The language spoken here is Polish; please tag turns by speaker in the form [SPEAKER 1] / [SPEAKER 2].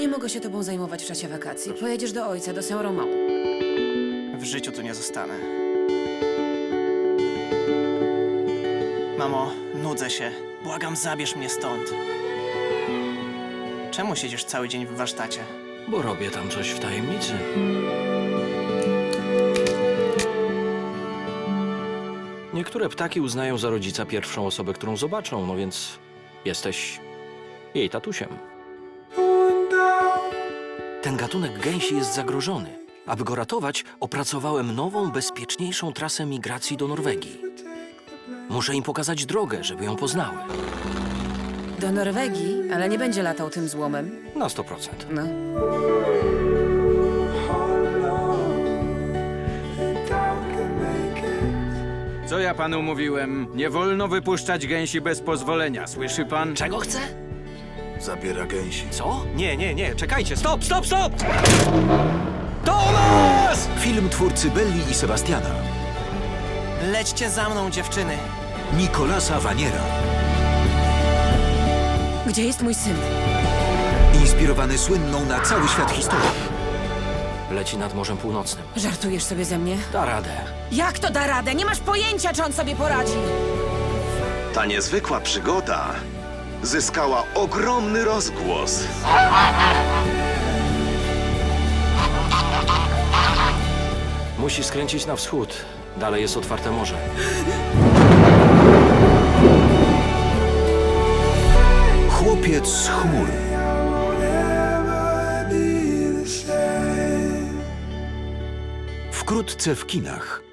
[SPEAKER 1] Nie mogę się tobą zajmować w czasie wakacji. Pojedziesz do ojca, do Saint-Romain.
[SPEAKER 2] W życiu tu nie zostanę. Mamo, nudzę się. Błagam, zabierz mnie stąd. Czemu siedzisz cały dzień w warsztacie?
[SPEAKER 3] Bo robię tam coś w tajemnicy. Niektóre ptaki uznają za rodzica pierwszą osobę, którą zobaczą, no więc jesteś jej tatusiem. Ten gatunek gęsi jest zagrożony. Aby go ratować, opracowałem nową, bezpieczniejszą trasę migracji do Norwegii. Muszę im pokazać drogę, żeby ją poznały.
[SPEAKER 1] Do Norwegii, ale nie będzie latał tym złomem.
[SPEAKER 3] Na 100%.
[SPEAKER 1] No.
[SPEAKER 4] Co ja panu mówiłem? Nie wolno wypuszczać gęsi bez pozwolenia, słyszy pan?
[SPEAKER 3] Czego chce?
[SPEAKER 5] Zabiera gęsi.
[SPEAKER 3] Co? Nie, czekajcie, stop! Tomas!
[SPEAKER 5] Film twórcy Belli i Sebastiana.
[SPEAKER 2] Lećcie za mną, dziewczyny.
[SPEAKER 5] Nicolasa Vaniera.
[SPEAKER 1] Gdzie jest mój syn?
[SPEAKER 5] Inspirowany słynną na cały świat historią.
[SPEAKER 3] Leci nad Morzem Północnym.
[SPEAKER 1] Żartujesz sobie ze mnie?
[SPEAKER 3] Da radę.
[SPEAKER 1] Jak to da radę? Nie masz pojęcia, czy on sobie poradzi.
[SPEAKER 6] Ta niezwykła przygoda zyskała ogromny rozgłos.
[SPEAKER 3] Musi skręcić na wschód. Dalej jest otwarte morze.
[SPEAKER 5] Chłopiec z chmur. Wkrótce w kinach.